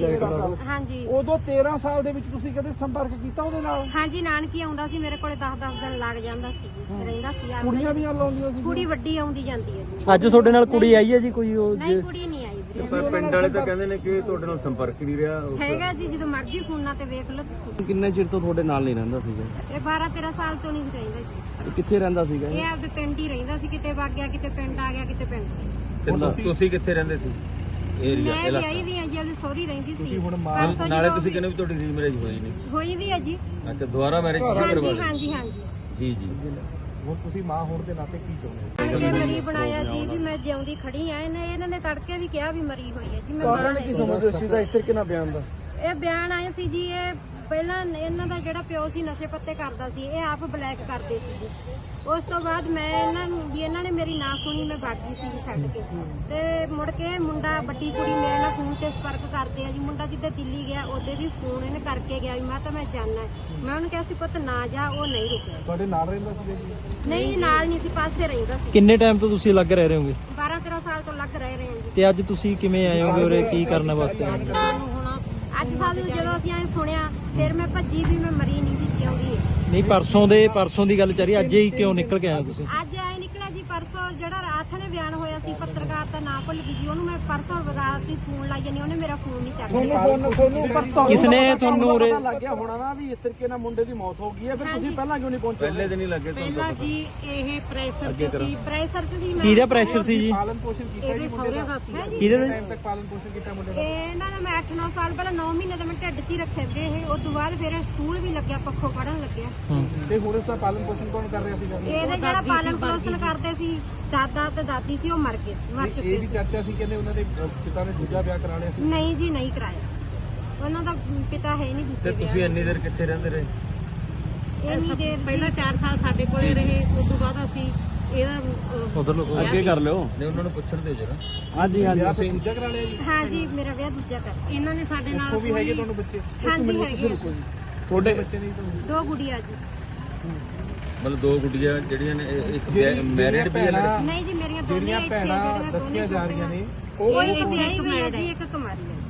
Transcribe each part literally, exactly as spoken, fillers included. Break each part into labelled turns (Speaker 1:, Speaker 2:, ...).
Speaker 1: ਹਾਂਜੀ
Speaker 2: ਉਦੋਂ ਤੇਰਾਂ ਸਾਲ ਦੇ ਵਿੱਚ ਤੁਸੀਂ ਕਦੇ ਸੰਪਰਕ ਕੀਤਾ ਉਹਦੇ ਨਾਲ?
Speaker 1: ਹਾਂਜੀ ਨਾਨਕੀ ਆਉਂਦਾ ਸੀ ਮੇਰੇ ਕੋਲੇ ਦਸ ਦਸ ਦਿਨ ਲੱਗ ਜਾਂਦਾ ਸੀ ਰਹਿੰਦਾ ਸੀ।
Speaker 2: ਕੁੜੀਆਂ ਵੀ ਨਾਲ ਆਉਂਦੀਆਂ ਸੀ?
Speaker 1: ਕੁੜੀ ਵੱਡੀ ਆਉਂਦੀ ਜਾਂਦੀ ਹੈ ਜੀ।
Speaker 3: ਅੱਜ ਤੁਹਾਡੇ ਨਾਲ ਕੁੜੀ ਆਈ ਹੈ ਜੀ ਕੋਈ? ਉਹ
Speaker 1: ਨਹੀਂ ਕੁੜੀ ਨਹੀਂ ਆਈ ਵੀਰੇ।
Speaker 4: ਸਰ ਪਿੰਡ ਵਾਲੇ ਤਾਂ ਕਹਿੰਦੇ ਨੇ ਕਿ ਤੁਹਾਡੇ ਨਾਲ ਸੰਪਰਕ ਹੀ ਨਹੀਂ ਰਿਹਾ।
Speaker 1: ਹੈਗਾ ਜੀ ਜਦੋਂ ਮਰਜ਼ੀ ਫੋਨਾਂ ਤੇ ਵੇਖ ਲਓ ਤੁਸੀਂ।
Speaker 3: ਕਿੰਨੇ ਚਿਰ ਤੋਂ ਤੁਹਾਡੇ ਨਾਲ ਨਹੀਂ ਰਹਿੰਦਾ ਸੀਗਾ?
Speaker 1: ਇਹ ਬਾਰਾਂ ਤੇਰਾਂ ਸਾਲ ਤੋਂ ਨਹੀਂ ਰਹਿੰਦਾ ਜੀ।
Speaker 3: ਕਿੱਥੇ ਰਹਿੰਦਾ ਸੀਗਾ?
Speaker 1: ਇਹ ਆਪਦੇ ਪਿੰਡ ਹੀ ਰਹਿੰਦਾ ਸੀ, ਕਿਤੇ ਵਗ ਗਿਆ ਕਿਤੇ ਪਿੰਡ ਆ ਗਿਆ ਕਿਤੇ ਪਿੰਡ।
Speaker 4: ਤੁਸੀਂ ਕਿੱਥੇ ਰਹਿੰਦੇ ਸੀ? ਏਰੀਆ
Speaker 1: ਮੈਂ ਵਿਆਹੀ ਵੀ ਆ ਜੀ, ਉਹਦੀ ਸਹੁਰੀ ਰਹਿੰਦੀ ਸੀ।
Speaker 4: ਨਾਲੇ ਤੁਸੀਂ ਕਹਿੰਦੇ ਵੀ ਤੁਹਾਡੀ ਰੀਮੈਰਿਜ ਹੋਈ ਨਹੀਂ?
Speaker 1: ਹੋਈ ਵੀ ਆ ਜੀ।
Speaker 4: ਅੱਛਾ ਦੁਬਾਰਾ ਮੈਰਿਜ ਕਰਵਾ
Speaker 1: ਹਾਂਜੀ
Speaker 4: ਲਈ?
Speaker 1: ਹਾਂਜੀ ਹਾਂਜੀ
Speaker 4: ਜੀ ਜੀ।
Speaker 2: ਹੁਣ ਤੁਸੀਂ ਮਾਂ ਹੋਣ ਦੇ ਨਾਤੇ ਕੀ ਚਾਹੁੰਦੇ ਹੋ?
Speaker 1: ਮੈਂ ਮਰੀ ਬਣਾਇਆ ਜੀ ਵੀ ਮੈਂ ਜਿਉਂਦੀ ਖੜੀ ਆ। ਇਹਨੇ ਇਹਨਾਂ ਨੇ ਤੜਕੇ ਵੀ ਕਿਹਾ ਵੀ ਮਰੀ ਹੋਈ ਹੈ ਜੀ। ਮੈਂ
Speaker 2: ਕਾਰਨ ਕੀ ਸਮਝਦੇ ਹੋ ਇਸ ਚੀਜ਼ ਦਾ, ਇਸ ਤਰੀਕੇ ਨਾਲ ਬਿਆਨ ਦਾ?
Speaker 1: ਇਹ ਬਿਆਨ ਆਏ ਸੀ ਜੀ। ਇਹ ਪਹਿਲਾਂ ਇਹਨਾਂ ਦਾ ਜਿਹੜਾ ਪਿਓ ਸੀ ਨਸ਼ੇ ਪੱਤੇ ਕਰਦਾ ਸੀ, ਇਹ ਆਪ ਬਲੈਕ ਕਰਦੇ ਸੀ ਜੀ। ਉਸ ਤੋਂ ਬਾਅਦ ਮੈਂ ਇਹਨਾਂ ਨੂੰ ਵੀ ਇਹਨਾਂ ਨੇ ਮੇਰੀ ਨਾ ਸੁਣੀ, ਮੈਂ ਭੱਜ ਗਈ ਸੀ ਜੀ ਛੱਡ ਕੇ। ਤੇ ਮੁੜ ਕੇ ਮੁੰਡਾ ਵੱਡੀ ਕੁੜੀ ਮੇਰੇ ਨਾਲ ਫੋਨ ਤੇ ਸੰਪਰਕ ਕਰਦੇ ਆ ਜੀ। ਮੁੰਡਾ ਜਿੱਦੇ ਦਿੱਲੀ ਗਿਆ ਉਹਦੇ ਵੀ ਫੋਨ ਇਹਨੇ ਕਰਕੇ ਗਿਆ ਵੀ ਮੈਂ ਤਾਂ ਮੈਂ ਜਾਣਾ। ਮੈਂ ਉਹਨੂੰ ਕਿਹਾ ਸੀ ਪੁੱਤ ਨਾ ਜਾ, ਉਹ ਨਹੀਂ ਰੁਕਿਆ।
Speaker 2: ਤੁਹਾਡੇ ਨਾਲ ਰਹਿੰਦਾ ਸੀ ਜੀ?
Speaker 1: ਨਹੀਂ ਨਾਲ ਨਹੀਂ ਸੀ, ਪਾਸੇ ਰਹਿੰਦਾ ਸੀ।
Speaker 3: ਕਿੰਨੇ ਟਾਈਮ ਤੋਂ ਤੁਸੀਂ ਅਲੱਗ ਰਹਿ ਰਹੇ ਹੋਗੇ?
Speaker 1: ਬਾਰਾਂ ਤੇਰਾਂ ਸਾਲ ਤੋਂ ਲੱਗ ਰਹੇ ਰਹੇ ਹਾਂ ਜੀ।
Speaker 3: ਤੇ ਅੱਜ ਤੁਸੀਂ ਕਿਵੇਂ ਆਏ ਹੋਗੇ ਉਰੇ, ਕੀ ਕਰਨ ਵਾਸਤੇ ਆਏ?
Speaker 1: ਅੱਜ ਸਾਨੂੰ ਜਦੋਂ ਅਸੀਂ ਐ ਸੁਣਿਆ ਫਿਰ ਮੈਂ ਭੱਜੀ ਵੀ ਮੈਂ ਮਰੀ ਨਹੀਂ ਜੀ, ਜਿਉਂਦੀ ਹੈ।
Speaker 3: ਨਹੀਂ ਪਰਸੋਂ ਦੇ ਪਰਸੋਂ ਦੀ ਗੱਲ ਚੱਲ ਰਹੀ, ਅੱਜ ਹੀ ਕਿਉਂ ਨਿਕਲ ਕੇ ਆਏ ਤੁਸੀਂ?
Speaker 1: ਅੱਜ ਆਏ ਨਿਕਲਿਆ ਜੀ ਪਰਸੋਂ ਜਿਹੜਾ ਰਾਤ ਨੇ ਬਿਆਨ ਹੋਇਆ ਸੀ, ਪੱਤਰਕਾਰ ਦਾ ਨਾਂ ਭੁੱਲ ਗਈ ਜੀ ਉਹਨੂੰ। ਮੈਂ ਪਰਸੋਂ ਰਾਤ ਹੀ ਫੋਨ ਲਾਈ ਜਾਨੀ, ਉਹਨੇ ਮੇਰਾ ਫੋਨ ਨਹੀਂ ਚੱਕਿਆ।
Speaker 3: ਕਿਸਨੇ ਤੁਹਾਨੂੰ ਉਰੇ
Speaker 2: ਪਤਾ ਲੱਗ ਗਿਆ ਹੋਣਾ ਨਾ ਵੀ ਇਸ ਤਰੀਕੇ ਨਾਲ ਮੁੰਡੇ ਦੀ ਮੌਤ ਹੋ ਗਈ ਹੈ, ਫਿਰ ਤੁਸੀਂ ਪਹਿਲਾਂ ਕਿਉਂ ਨਹੀਂ ਪਹੁੰਚੇ?
Speaker 4: ਪਹਿਲੇ ਦਿਨ ਹੀ ਲੱਗੇ
Speaker 5: ਪਹਿਲਾਂ ਜੀ ਇਹ ਪ੍ਰੈਸ਼ਰ ਤੇ ਸੀ।
Speaker 1: ਪ੍ਰੈਸ਼ਰ ਚ ਸੀ ਮੈਂ।
Speaker 3: ਕਿਹਦਾ ਪ੍ਰੈਸ਼ਰ ਸੀ ਜੀ?
Speaker 2: ਪਾਲਣ ਪੋਸ਼ਣ ਕੀਤਾ
Speaker 5: ਇਹਦੇ
Speaker 2: ਜੀ ਮੁੰਡੇ
Speaker 5: ਸਹੁਰਿਆਂ
Speaker 2: ਦਾ?
Speaker 5: ਦਾ ਸੀ।
Speaker 3: ਕਿਹਦੇ ਨਾਲ?
Speaker 2: ਟਾਈਮ ਤੱਕ ਪਾਲਣ ਪੋਸ਼ਣ ਕੀਤਾ ਮੁੰਡੇ ਦਾ?
Speaker 1: ਇਹਨਾਂ ਨੇ ਮੈਂ ਅੱਠ ਨੌ ਸਾਲ ਪਹਿਲਾਂ ਨੌ ਮਹੀਨੇ ਦਾ ਮੈਂ ਢਿੱਡ 'ਚ ਹੀ ਰੱਖੇ ਵੇ ਇਹ। ਉਸ ਤੋਂ ਬਾਅਦ ਫਿਰ ਸਕੂਲ ਵੀ ਲੱਗਿਆ, ਪੱਖੋਂ ਪੜਨ ਲੱਗਿਆ।
Speaker 2: ਤੇ ਹੁਣ ਇਸ ਦਾ ਪਾਲਣ ਪੋਸ਼ਣ ਕੌਣ ਕਰ ਰਿਹਾ ਸੀਗਾ?
Speaker 1: ਇਹਦੇ ਜਿਹੜਾ ਪਾਲਣ ਪੋਸ਼ਣ ਕਰਦੇ ਸੀ ਦਾਦਾ ਤੇ ਦਾਦੀ ਸੀ, ਉਹ ਮਰ ਗਏ ਸੀ, ਮਰ
Speaker 2: ਇਹ
Speaker 1: ਚੁੱਕੇ
Speaker 2: ਵੀ
Speaker 1: ਸੀ।
Speaker 2: ਚਰਚਾ ਸੀ ਕਹਿੰਦੇ ਉਹਨਾਂ ਦੇ ਪਿਤਾ ਨੇ ਦੂਜਾ ਵਿਆਹ ਕਰਾ ਲਿਆ ਸੀ?
Speaker 1: ਨਹੀਂ ਜੀ ਨਹੀਂ ਕਰਾਇਆ, ਉਹਨਾਂ ਦਾ ਪਿਤਾ ਹੈ ਨਹੀਂ
Speaker 4: ਤੇ
Speaker 1: ਦੂਜੇ
Speaker 4: ਤੁਸੀਂ ਇੰਨੀ ਦੇਰ ਕਿੱਥੇ ਰਹਿੰਦੇ ਰਹੇ?
Speaker 1: ਇੰਨੀ ਦੇਰ
Speaker 5: ਪਹਿਲਾਂ ਚਾਰ ਸਾਲ ਸਾਡੇ ਕੋਲੇ ਰਹੇ। ਉਸ ਤੋਂ ਬਾਅਦ ਅਸੀਂ ਇਹਦਾ
Speaker 3: ਉਧਰ ਲੋਕ
Speaker 4: ਅੱਗੇ ਕਰ ਲਿਓ। ਨਹੀਂ ਉਹਨਾਂ ਨੂੰ ਪੁੱਛਣ ਦਿਓ ਜਰਾ।
Speaker 3: ਹਾਂਜੀ ਹਾਂਜੀ।
Speaker 2: ਵਿਆਹ ਫਿਰ ਦੂਜਾ ਕਰਾ ਲਿਆ ਜੀ?
Speaker 1: ਹਾਂ ਜੀ ਮੇਰਾ ਵਿਆਹ ਦੂਜਾ ਕਰ।
Speaker 5: ਇਹਨਾਂ ਨੇ ਸਾਡੇ ਨਾਲ
Speaker 2: ਉਹ ਵੀ ਹੈਗੇ ਤੁਹਾਨੂੰ ਬੱਚੇ?
Speaker 1: ਹਾਂਜੀ ਹੈਗੇ ਆ।
Speaker 2: ਤੁਹਾਡੇ ਬੱਚੇ ਨਹੀਂ ਤੁਹਾਨੂੰ?
Speaker 1: ਦੋ ਗੁੜੀਆਂ ਜੀ।
Speaker 4: ਮਤਲਬ ਦੋ ਗੁੱਡੀਆਂ ਜਿਹੜੀਆਂ ਨੇ ਇਹ- ਇੱਕ ਮੈਰਿਡ ਵੀ ਹੈ ਲੜਕੀ?
Speaker 1: ਨਹੀਂ ਜੀ ਮੇਰੀਆਂ ਦੋਨੇ
Speaker 2: ਜਿਹੜੀਆਂ
Speaker 1: ਇੱਥੇ
Speaker 2: ਭੈਣਾਂ
Speaker 1: ਜਿਹੜੀਆਂ ਦੋਨੇ
Speaker 2: ਦੱਸੀਆਂ ਜਾ ਰਹੀਆਂ ਨੇ
Speaker 1: ਉਹ ਇੱਕ ਵਿਆਹੀ ਹੋਈ ਹੈ ਜੀ, ਇੱਕ ਕੁਮਾਰੀ ਹੈ।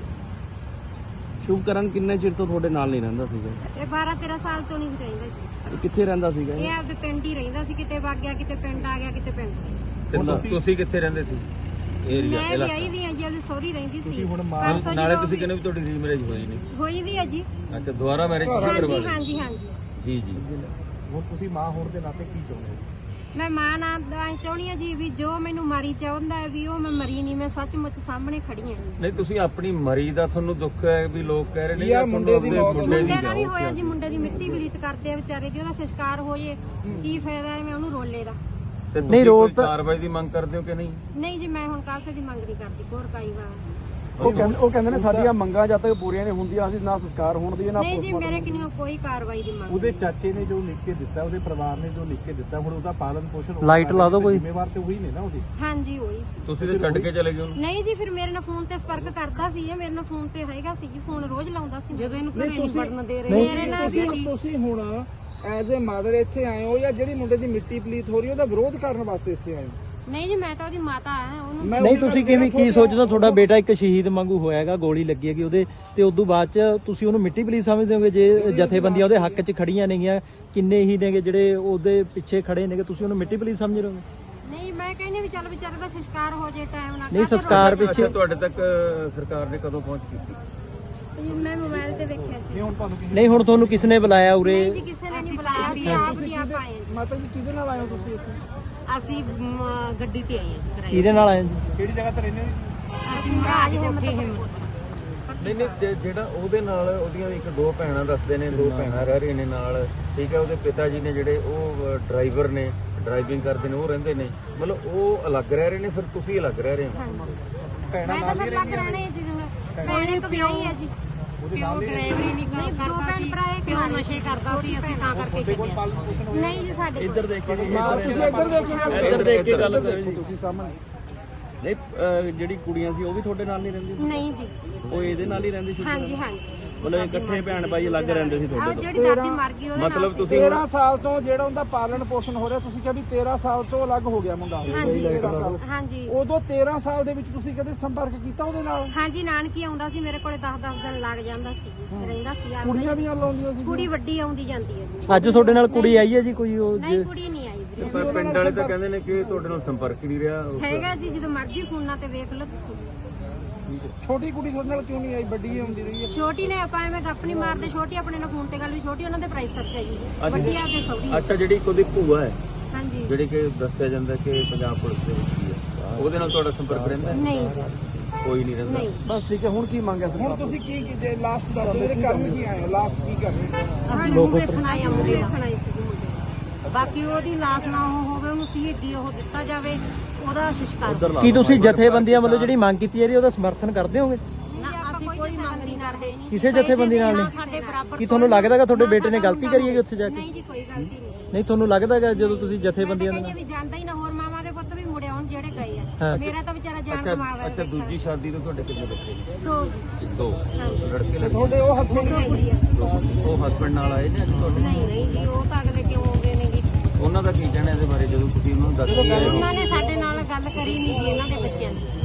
Speaker 3: ਸ਼ੁਭਕਰਨ ਕਿੰਨੇ ਚਿਰ ਤੋਂ ਤੁਹਾਡੇ ਨਾਲ ਨਹੀਂ ਰਹਿੰਦਾ ਸੀਗਾ?
Speaker 1: ਇਹ ਬਾਰਾਂ ਤੇਰਾਂ ਸਾਲ ਤੋਂ ਨਹੀਂ ਰਹਿੰਦਾ ਜੀ।
Speaker 3: ਕਿੱਥੇ ਰਹਿੰਦਾ ਸੀਗਾ?
Speaker 1: ਇਹ ਆਪਦੇ ਪਿੰਡ ਹੀ ਰਹਿੰਦਾ ਸੀ, ਕਿਤੇ ਵਗ ਗਿਆ ਕਿਤੇ ਪਿੰਡ ਆ ਗਿਆ ਕਿਤੇ ਪਿੰਡ।
Speaker 4: ਤੇ ਤੁਸੀਂ- ਤੁਸੀਂ ਕਿੱਥੇ ਰਹਿੰਦੇ ਸੀ? ਏਰੀਆ
Speaker 1: ਮੈਂ ਵਿਆਹੀ ਵੀ ਆ ਜੀ, ਉਹਦੀ ਸਹੁਰੀ ਰਹਿੰਦੀ ਸੀ।
Speaker 2: ਹੁਣ
Speaker 1: ਪਰਸੋਂ
Speaker 4: ਨਾਲੇ
Speaker 1: ਜਦੋਂ
Speaker 4: ਤੁਸੀਂ ਕਹਿੰਦੇ ਵੀ ਤੁਹਾਡੀ ਰੀਮੈਰਿਜ ਹੋਈ ਨਹੀਂ?
Speaker 1: ਹੋਈ ਵੀ ਆ ਜੀ।
Speaker 4: ਅੱਛਾ ਦੁਬਾਰਾ ਮੈਰਿਜ ਕਰਵਾ
Speaker 1: ਹਾਂਜੀ
Speaker 4: ਲਈ?
Speaker 1: ਹਾਂਜੀ ਹਾਂਜੀ।
Speaker 4: ਜੀ ਜੀ।
Speaker 2: ਹੁਣ ਤੁਸੀਂ ਮਾਂ ਹੋਣ ਦੇ ਨਾਤੇ ਕੀ ਚਾਹੁੰਦੇ ਹੋ?
Speaker 1: ਮੈਂ ਮਾਂ ਨਾਲ ਐਂ ਚਾਹੁੰਦੀ ਆ ਜੀ ਵੀ ਜੋ ਮੈਨੂੰ ਮਾਰੀ ਚਾਹੁੰਦਾ ਹੈ ਵੀ ਉਹ ਮੈਂ ਮਰੀ ਨਹੀਂ, ਮੈਂ ਸੱਚਮੁੱਚ ਸਾਹਮਣੇ ਖੜੀ ਆ ਜੀ।
Speaker 4: ਨਹੀਂ ਤੁਸੀਂ ਆਪਣੀ ਮਰੀ ਦਾ ਤੁਹਾਨੂੰ ਦੁੱਖ ਹੈ ਵੀ ਲੋਕ ਕਹਿ ਰਹੇ ਨੇ
Speaker 2: ਯਾਰ
Speaker 4: ਕਿ
Speaker 2: ਮੁੰਡੇ ਦੀ ਮੌਤ-
Speaker 4: ਮੁੰਡੇ ਦੀ
Speaker 1: ਮੁੰਡੇ ਦਾ ਵੀ
Speaker 4: ਜਾਓ।
Speaker 1: ਹੋਇਆ ਜੀ, ਮੁੰਡੇ ਦੀ ਮਿੱਟੀ ਵੀ ਰੀਤ ਕਰਦੇ ਆ ਵਿਚਾਰੇ ਦੀ, ਉਹਦਾ ਸੰਸਕਾਰ ਹੋ ਜੇ ਕੀ ਫਾਇਦਾ ਹੈ ਮੈਂ ਉਹਨੂੰ ਰੋਲੇ ਦਾ।
Speaker 4: ਤੇ
Speaker 3: ਨਹੀਂ,
Speaker 4: ਤੁਸੀਂ
Speaker 3: ਰੋਲ
Speaker 4: ਕੋਈ
Speaker 3: ਤਾਂ-
Speaker 4: ਕਾਰਵਾਈ ਦੀ ਮੰਗ ਕਰਦੇ ਹੋ ਕਿ ਨਹੀਂ?
Speaker 1: ਨਹੀਂ ਜੀ ਮੈਂ ਹੁਣ ਕਾਸੇ ਦੀ ਮੰਗ ਨਹੀਂ ਕਰਦੀ, ਹੋਰ ਕਾਈ ਵਾਰ।
Speaker 2: ਉਹ ਕਹਿੰਦੇ ਉਹ ਕਹਿੰਦੇ ਨੇ ਸਾਡੀਆਂ ਮੰਗਾਂ ਜਦ ਤੱਕ ਪੂਰੀਆਂ ਨਹੀਂ ਹੁੰਦੀਆਂ ਅਸੀਂ ਨਾ ਸੰਸਕਾਰ ਹੋਣ ਦੀ ਨਾ
Speaker 1: ਨਹੀਂ ਜੀ ਮੇਰੇ ਕਿੰਨੀ ਕੋਈ ਕਾਰਵਾਈ ਦੀ ਮੰਗ।
Speaker 2: ਉਹਦੇ ਚਾਚੇ ਨੇ ਜੋ ਲਿਖ ਕੇ ਦਿੱਤਾ, ਉਹਦੇ ਪਰਿਵਾਰ ਨੇ ਜੋ ਲਿਖ ਕੇ ਦਿੱਤਾ, ਹੁਣ ਉਹਦਾ ਪਾਲਣ ਪੋਸ਼ਣ
Speaker 3: ਲਾਈਟ ਲਾ ਦਿਓ ਕੋਈ।
Speaker 2: ਜ਼ਿੰਮੇਵਾਰ ਤੇ ਉਹੀ ਨੇ ਨਾ ਉਹਦੀ।
Speaker 1: ਹਾਂਜੀ ਹੋਈ ਸੀ।
Speaker 4: ਤੁਸੀਂ ਤੇ ਛੱਡ ਕੇ ਚਲੇ ਗਏ ਉਹਨੂੰ?
Speaker 1: ਨਹੀਂ ਜੀ ਫਿਰ ਮੇਰੇ ਨਾਲ ਫੋਨ ਤੇ ਸੰਪਰਕ ਕਰਦਾ ਸੀ, ਇਹ ਮੇਰੇ ਨਾਲ ਫੋਨ ਤੇ ਹੈਗਾ ਸੀ ਜੀ, ਫੋਨ ਰੋਜ਼ ਲਾਉਂਦਾ ਸੀ।
Speaker 5: ਜਦੋਂ ਇਹਨੂੰ ਘਰੇ ਨਹੀਂ ਵੜਨ ਦੇ ਰਹੇ।
Speaker 1: ਮੇਰੇ ਨਾਲ ਜੀ
Speaker 2: ਤੁਸੀਂ ਹੁਣ ਐਜ਼ ਅ ਮਦਰ ਇੱਥੇ ਆਏ ਹੋ ਜਾਂ ਜਿਹੜੀ ਮੁੰਡੇ ਦੀ ਮਿੱਟੀ ਪਲੀਤ ਹੋ ਰਹੀ ਉਹਦਾ ਵਿਰੋਧ ਕਰਨ ਵਾਸਤੇ ਇੱਥੇ ਆਏ ਹੋ?
Speaker 1: ਨਹੀਂ ਜੀ ਮੈਂ ਤਾਂ ਉਹਦੀ ਮਾਤਾ ਆ ਉਹਨੂੰ।
Speaker 3: ਨਹੀਂ ਤੁਸੀਂ ਕਿਵੇਂ ਕੀ ਸੋਚਦੇ? ਤੁਹਾਡਾ ਬੇਟਾ ਇੱਕ ਸ਼ਹੀਦ ਵਾਂਗੂ ਹੋਇਆਗਾ, ਗੋਲੀ ਲੱਗੀ ਹੈਗੀ ਉਹਦੇ ਤੇ ਉਦੋਂ ਬਾਅਦ ਚ ਤੁਸੀਂ ਉਹਨੂੰ ਮਿੱਟੀ ਪਲੀਤ ਸਮਝਦੇ ਹੋਗੇ? ਜੇ ਜਥੇਬੰਦੀਆਂ ਉਹਦੇ ਹੱਕ 'ਚ ਖੜੀਆਂ ਨੇਗੀਆਂ, ਕਿੰਨੇ ਹੀ ਨੇਗੇ ਜਿਹੜੇ ਉਹਦੇ ਪਿੱਛੇ ਖੜੇ ਨੇਗੇ, ਤੁਸੀਂ ਉਹਨੂੰ ਮਿੱਟੀ ਪਲੀਤ ਸਮਝ ਰਹੇ ਹੋ?
Speaker 1: ਨਹੀਂ ਮੈਂ ਕਹਿੰਦੀ ਵੀ ਚੱਲ ਵਿਚਾਰੇ ਦਾ ਸੰਸਕਾਰ ਹੋ ਜੇ ਟਾਈਮ ਨਾਲ।
Speaker 3: ਨਹੀਂ ਸੰਸਕਾਰ ਪਿੱਛੇ
Speaker 4: ਅੱਛਾ ਤੁਹਾਡੇ ਤੱਕ ਸਰਕਾਰ ਨੇ ਕਦੋਂ ਪਹੁੰਚ ਕੀਤੀ?
Speaker 1: ਮੈਂ ਮੋਬਾਈਲ ਤੇ ਵੇਖਿਆ ਸੀ।
Speaker 2: ਹੁਣ ਤੁਹਾਨੂੰ
Speaker 3: ਨਹੀਂ ਹੁਣ ਤੁਹਾਨੂੰ ਕਿਸਨੇ ਬੁਲਾਇਆ ਉਰੇ?
Speaker 1: ਨਹੀਂ ਜੀ ਕਿਸੇ ਨੇ ਨਹੀਂ ਬੁਲਾਇਆ, ਅਸੀਂ ਆਪ ਦੀ ਆਪ ਆਏ ਜੀ।
Speaker 2: ਮਾਤਾ ਜੀ ਕਿਹਦੇ ਨਾਲ ਆਏ ਹੋ ਤੁਸੀਂ ਇੱਥੇ?
Speaker 5: ਅਸੀਂ ਮ, ਗੱਡੀ ਤੇ ਆਏ ਹਾਂ ਕਿਰਾਏ
Speaker 3: ਕਿਹਦੇ ਨਾਲ ਆਏ ਜੀ?
Speaker 2: ਕਿਹੜੀ ਜਗ੍ਹਾ ਤੇ ਰਹਿੰਦੇ ਹੋ?
Speaker 5: ਅਸੀਂ ਮਹਾਰਾਜ ਕੋਠੇ ਹਿੰਮਤ।
Speaker 4: ਨਹੀਂ ਨਹੀਂ ਜੇ- ਜਿਹੜਾ ਉਹਦੇ ਨਾਲ ਉਹਦੀਆਂ ਇੱਕ ਦੋ ਭੈਣਾਂ ਦੱਸਦੇ ਨੇ, ਦੋ ਭੈਣਾਂ ਰਹਿ ਰਹੀਆਂ ਨੇ ਨਾਲ, ਠੀਕ ਹੈ। ਉਹਦੇ ਪਿਤਾ ਜੀ ਨੇ ਜਿਹੜੇ ਉਹ ਡਰਾਈਵਰ ਨੇ, ਡਰਾਈਵਿੰਗ ਕਰਦੇ ਨੇ, ਉਹ ਰਹਿੰਦੇ ਨੇ, ਮਤਲਬ ਉਹ ਅਲੱਗ ਰਹਿ ਰਹੇ ਨੇ, ਫਿਰ ਤੁਸੀਂ ਅਲੱਗ ਰਹਿ ਰਹੇ ਹੋ?
Speaker 2: ਭੈਣਾਂ
Speaker 1: ਮੈਂ ਤਾਂ ਫਿਰ ਲੱਗ ਰਹਿਣੇ ਜੀ ਜਿਵੇਂ ਭੈਣ ਇੱਕ ਵਿਆਹੀ ਹੈ ਜੀ।
Speaker 5: ਪਿਓ ਡਰਾਈਵਰੀ ਨਹੀਂ
Speaker 1: ਨਹੀਂ, ਦੋ
Speaker 5: ਕਰਦਾ
Speaker 1: ਭੈਣ
Speaker 5: ਸੀ,
Speaker 1: ਭਰਾ ਇੱਕ
Speaker 5: ਪਿਓ
Speaker 1: ਨਾਲ
Speaker 5: ਨਸ਼ੇ ਕਰਦਾ ਸੀ, ਅਸੀਂ ਤਾਂ ਕਰਕੇ ਛੱਡਿਆ।
Speaker 2: ਪਾਲਣ ਪੋਸ਼ਣ ਹੋਇਆ?
Speaker 1: ਨਹੀਂ ਜੀ ਸਾਡੇ ਕੋਲ।
Speaker 3: ਇੱਧਰ ਦੇਖ ਕੇ
Speaker 2: ਤੁਸੀਂ ਇੱਧਰ ਦੇਖੋ,
Speaker 3: ਇੱਧਰ ਦੇਖ ਕੇ ਗੱਲ ਕਰੋ ਜੀ।
Speaker 2: ਤੁਸੀਂ ਸਾਹਮਣੇ।
Speaker 3: ਨਹੀਂ ਜਿਹੜੀ ਕੁੜੀਆਂ ਸੀ ਉਹ ਵੀ ਤੁਹਾਡੇ ਨਾਲ ਨਹੀਂ ਰਹਿੰਦੀ?
Speaker 1: ਨਹੀਂ ਜੀ
Speaker 3: ਉਹ ਇਹਦੇ ਨਾਲ ਹੀ ਰਹਿੰਦੀ ਸੀ?
Speaker 1: ਹਾਂਜੀ ਹਾਂਜੀ। ਮਤਲਬ ਇਕੱਠੇ ਭੈਣ ਭਾਈ ਅਲੱਗ ਰਹਿੰਦੇ ਸੀ ਤੁਹਾਡੇ ਤੋਂ ਜਿਹੜੀ ਦਾਦੀ ਮਰ ਗਈ ਉਹਦੇ
Speaker 4: ਮਤਲਬ
Speaker 1: ਨਾਲ ਸੀ।
Speaker 4: ਤੁਸੀਂ
Speaker 2: ਤੇਰਾਂ ਸਾਲ ਤੋਂ ਜਿਹੜਾ ਉਹਦਾ ਪਾਲਣ ਪੋਸ਼ਣ ਹੋ ਰਿਹਾ, ਤੁਸੀਂ ਕਿਹਾ ਵੀ ਤੇਰਾਂ ਸਾਲ ਤੋਂ ਅਲੱਗ ਹੋ ਗਿਆ ਮੁੰਡਾ।
Speaker 1: ਹਾਂਜੀ
Speaker 2: ਤੇਰਾਂ ਸਾਲ।
Speaker 1: ਹਾਂਜੀ
Speaker 2: ਉਦੋਂ ਤੇਰਾਂ ਸਾਲ ਦੇ ਵਿੱਚ ਤੁਸੀਂ ਕਦੇ ਸੰਪਰਕ ਕੀਤਾ ਉਹਦੇ ਨਾਲ?
Speaker 1: ਹਾਂਜੀ ਨਾਨਕੀ ਆਉਂਦਾ ਸੀ ਮੇਰੇ ਕੋਲੇ ਦਸ ਦਸ ਦਿਨ ਲੱਗ ਜਾਂਦਾ ਸੀ ਰਹਿੰਦਾ ਸੀ ਆ
Speaker 2: ਕੁੜੀਆਂ ਵੀ ਲਾਉਂਦੀਆਂ ਸੀ?
Speaker 1: ਕੁੜੀ ਵੱਡੀ ਆਉਂਦੀ ਜਾਂਦੀ ਹੈ ਜੀ।
Speaker 3: ਅੱਜ ਤੁਹਾਡੇ ਨਾਲ ਕੁੜੀ ਆਈ ਹੈ ਜੀ ਕੋਈ ਉਹ
Speaker 1: ਨਹੀਂ ਕੁੜੀ ਨਹੀਂ ਆਈ ਵੀਰੇ।
Speaker 4: ਪਰ ਪਿੰਡ ਵਾਲੇ ਤਾਂ ਕਹਿੰਦੇ ਨੇ ਕਿ ਤੁਹਾਡੇ ਨਾਲ ਸੰਪਰਕ ਹੀ ਨਹੀਂ ਰਿਹਾ।
Speaker 1: ਹੈਗਾ ਜੀ ਜਦੋਂ ਮਰਜ਼ੀ ਫੋਨਾਂ ਤੇ ਵੇਖ ਲਓ ਤੁਸੀਂ।
Speaker 2: ਛੋਟੀ ਕੁੜੀ ਤੁਹਾਡੇ ਨਾਲ ਕਿਉਂ ਨਹੀਂ ਆਈ? ਵੱਡੀ ਆਉਂਦੀ ਰਹੀ ਹੈ।
Speaker 1: ਛੋਟੀ ਨੇ ਆਪਾਂ ਐਵੇਂ ਗੱਪ ਨਹੀਂ ਮਾਰਦੇ, ਛੋਟੀ ਆਪਣੇ ਨਾਲ ਫੋਨ ਤੇ ਗੱਲ ਵੀ, ਛੋਟੀ ਉਹਨਾਂ ਦੇ ਪ੍ਰਾਈਸ ਖਰਚਾ ਜੀ, ਵੱਡੀ ਆ ਕੇ ਸੌਦੀ।
Speaker 4: ਅੱਛਾ, ਜਿਹੜੀ ਉਹਦੀ ਭੂਆ ਹੈ
Speaker 1: ਹਾਂਜੀ
Speaker 4: ਜਿਹੜੀ ਕਿ ਦੱਸਿਆ ਜਾਂਦਾ ਕਿ ਪੰਜਾਬ ਪੁਲਿਸ ਦੇ ਵਿੱਚ ਹੀ ਹੈ, ਉਹਦੇ ਨਾਲ ਤੁਹਾਡਾ ਸੰਪਰਕ ਰਹਿੰਦਾ ਹੈ?
Speaker 1: ਨਹੀਂ
Speaker 4: ਕੋਈ ਨਹੀਂ ਰਹਿੰਦਾ।
Speaker 1: ਨਹੀਂ
Speaker 2: ਬਸ ਠੀਕ ਹੈ। ਹੁਣ ਕੀ ਮੰਗਿਆ ਹੁਣ ਤੁਸੀਂ ਕੀ ਕੀ ਲਾਸਟ ਦਾ ਜਿਹੜੇ ਕਰਨ ਕੀ ਆਏ ਹੋ? ਲਾਸਟ ਕੀ ਕਰਨੇ?
Speaker 5: ਅਸੀਂ ਨੂੰ ਵੇਖਣ ਆਏ ਆ ਮੁੰਡੇ ਦਾ।
Speaker 1: ਦੇਖਣਾ ਹੀ ਸੀ ਮੁੰਡੇ ਨੂੰ।
Speaker 5: ਬਾਕੀ ਉਹਦੀ ਲਾਸ਼ ਨਾ ਉਹ ਹੋਵੇ, ਉਹਨੂੰ ਸ਼ਹੀਦੀ ਉਹ ਦਿੱਤਾ ਜਾਵੇ, ਉਹਦਾ ਸੰਸਕਾਰ।
Speaker 3: ਕੀ ਤੁਸੀਂ ਜਥੇਬੰਦੀਆਂ ਵੱਲੋਂ ਜਿਹੜੀ ਮੰਗ ਕੀਤੀ ਜਾ ਰਹੀ ਹੈ ਉਹਦਾ ਸਮਰਥਨ ਕਰਦੇ ਹੋਗੇ?
Speaker 5: ਨਾ ਅਸੀਂ ਕੋਈ ਮੰਗ ਨਹੀਂ ਕਰਦੇ।
Speaker 3: ਕਿਸੇ ਜਥੇਬੰਦੀ ਨਾਲ
Speaker 5: ਨਾ
Speaker 3: ਨਹੀਂ?
Speaker 5: ਸਾਡੇ ਬਰਾਬਰ
Speaker 3: ਕੀ ਤੁਹਾਨੂੰ ਲੱਗਦਾ ਕਿ ਤੁਹਾਡੇ ਬੇਟੇ ਨੇ ਗਲਤੀ ਕਰੀ ਹੈ ਉੱਥੇ ਜਾ ਕੇ?
Speaker 1: ਨਹੀਂ ਜੀ ਕੋਈ ਗਲਤੀ ਨਹੀਂ।
Speaker 3: ਨਹੀਂ ਤੁਹਾਨੂੰ ਲੱਗਦਾ ਕਿ ਜਦੋਂ ਤੁਸੀਂ ਜਥੇਬੰਦੀਆਂ ਦੇ
Speaker 1: ਕਹਿੰਦੇ
Speaker 3: ਨਾਲ
Speaker 1: ਵੀ ਜਾਂਦਾ ਹੀ ਨਾ, ਹੋਰ ਮਾਵਾਂ ਦੇ ਪੁੱਤ ਵੀ ਮੁੜੇ ਆਉਣ ਜਿਹੜੇ ਗਏ
Speaker 3: ਹਾਂ।
Speaker 1: ਆ। ਮੇਰਾ ਤਾਂ ਵਿਚਾਰਾ ਜਾਨ
Speaker 4: ਅੱਛਾ
Speaker 1: ਕਮਾਵਾ
Speaker 4: ਅੱਛਾ, ਦੂਜੀ ਸ਼ਾਦੀ ਤੋਂ ਤੁਹਾਡੇ ਕਿੰਨੇ ਬੱਚੇ ਨੇ?
Speaker 1: ਦੋ
Speaker 4: ਦੋ ਲੜਕੇ ਲੜਕੀ?
Speaker 2: ਤੁਹਾਡੇ ਉਹ ਹਸਬੰਦ
Speaker 1: ਦੋ ਕੁੜੀਆਂ।
Speaker 4: ਉਹ ਹਸਬੰਡ ਨਾਲ ਆਏ ਨੇ ਅੱਜ ਤੁਹਾਡੇ?
Speaker 5: ਨਹੀਂ ਨਹੀਂ ਜੀ, ਉਹ ਤਾਂ ਅਗਲੇ ਕਿਉਂ ਹੋ ਗਏ ਨੇ ਜੀ।
Speaker 4: ਉਹਨਾਂ ਦਾ ਕੀ ਕਹਿਣਾ ਇਹਦੇ ਬਾਰੇ ਜਦੋਂ ਤੁਸੀਂ ਉਹਨਾਂ ਨੂੰ ਦੱਸਿਆ?
Speaker 5: ਉਹਨਾਂ ਨੇ ਸਾਡੇ ਨਾਲ ਗੱਲ ਕਰੀ ਨਹੀਂ ਜੀ ਇਹਨਾਂ ਦੇ ਬੱਚਿਆਂ ਦੀ।